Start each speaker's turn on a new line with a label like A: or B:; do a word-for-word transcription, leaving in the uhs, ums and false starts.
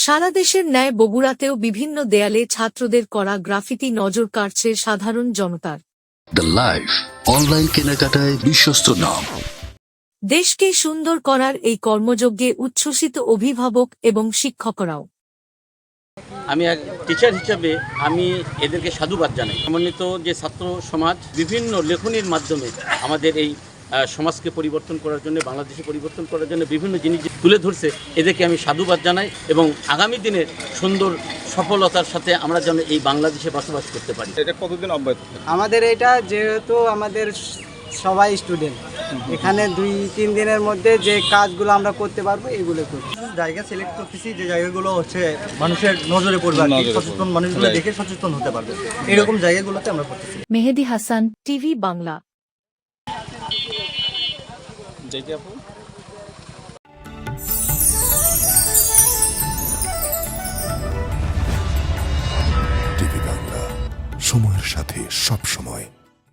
A: সারা দেশের ন্যায় বগুড়াতেও বিভিন্ন দেয়ালে ছাত্রদের করা গ্রাফিতি নজর কাড়ছে সাধারণ জনতার।
B: দ্য লাইফ অনলাইন কেনাকাটায় বিশ্বস্ত নাম।
A: দেশকে সুন্দর করার এই কর্মযজ্ঞে উচ্ছ্বসিত অভিভাবক এবং শিক্ষকরাও।
C: আমি এক টিচার হিসেবে আমি এদেরকে সাধুবাদ জানাই। সমন্বিত যে ছাত্র সমাজ বিভিন্ন লেখনীর মাধ্যমে আমাদের এই সমাজকে পরিবর্তন করার জন্য, বাংলাদেশে পরিবর্তন করার জন্য বিভিন্ন জিনিস তুলে ধরছে, এদেরকে আমি সাধুবাদ জানাই এবং আগামী দিনের সুন্দর সফলতার সাথে আমরা যেন এই বাংলাদেশে বসবাস করতে পারি।
D: এটা কতদিন অব্যাহত?
E: আমাদের এটা যেহেতু আমাদের সবাই স্টুডেন্ট, এখানে দুই তিন দিনের মধ্যে যে কাজগুলো আমরা করতে পারবো এগুলো করছি।
F: জায়গা সিলেক্ট করতেছি যে জায়গাগুলো হচ্ছে মানুষের নজরে পড়বে, আর কি সচেতন মানুষগুলো দেখে সচেতন হতে পারবে, এরকম জায়গাগুলোতে আমরা করতেছি।
A: মেহেদি হাসান, টিভি বাংলা।
D: যেটি আপু
G: টিভি বাংলা, সময়ের সাথে সব সময়।